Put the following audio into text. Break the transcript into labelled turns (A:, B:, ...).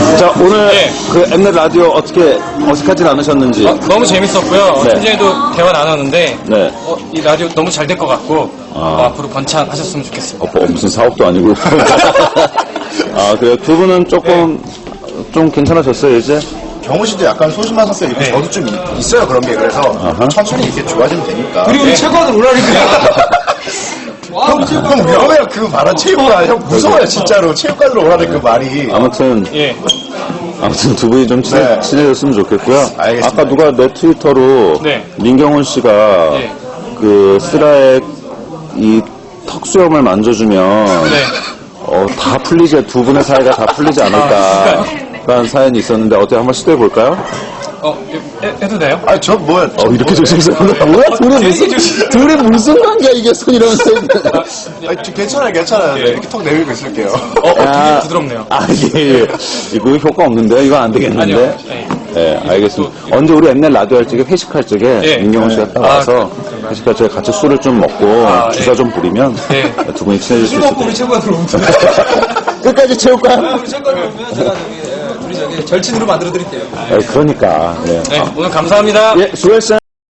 A: 자, 오늘
B: 네.
A: 그 엠넷 라디오 어떻게 어색하진 않으셨는지.
B: 너무 재밌었고요.
A: 네.
B: 현재도 대화 나눴는데
A: 네.
B: 이 라디오 너무 잘 될 것 같고 앞으로 번창하셨으면 좋겠습니다.
A: 무슨 사업도 아니고. 아, 그래요? 두 분은 조금, 좀 괜찮아졌어요, 이제?
C: 경호 씨도 약간 소심한 성격 있고 저도 좀 있어요 그런 게. 그래서 천천히 이렇게 좋아지면 되니까.
D: 그리고 체육관을 오라니까.
C: 형 위험해요. 그 말은 체육관. 형 무서워요 진짜로. 체육관으로 오라는 그 말이.
A: 아무튼
B: 예.
A: 두 분이 좀
C: 네.
A: 친해졌으면 좋겠고요.
C: 알겠습니다.
A: 아까 누가 내 트위터로
B: 네.
A: 민경훈 씨가
B: 예.
A: 그 쓰라의 이 턱수염을 만져주면
B: 네.
A: 다 풀리지, 두 분의 사이가 다 풀리지 않을까 라는 사연이 있었는데 어떻게 한번 시도해 볼까요?
B: 해도 돼요?
C: 아니 저 뭐야.
A: 이렇게 조심스러운데 뭐야? 둘이 무슨 관계야 이게 손 이러면서.
C: 아니, 괜찮아요. 네, 이렇게 턱 내밀고 있을게요.
B: 되게 부드럽네요.
A: 예. 이거 효과 없는데요? 이거 안 되겠는데?
B: 아니요. 네.
A: 네, 알겠습니다. 언제 우리 엠넷 라디오 할 적에 회식할 적에
B: 예.
A: 민경훈 씨가 딱 와서 회식할 적에 같이 술을 좀 먹고 주사 좀 부리면
B: 네.
A: 두 분이 친해질 수
D: 술
A: 있을
D: 먹고 우리
A: 거예요.
D: 체육관으로 오면
A: 끝까지 체육관?
D: 우리 체육관으로 오면 제가 우리 절친으로 만들어 드릴게요.
A: 그러니까. 네.
B: 네, 오늘 감사합니다.
A: 예, 수고했어요.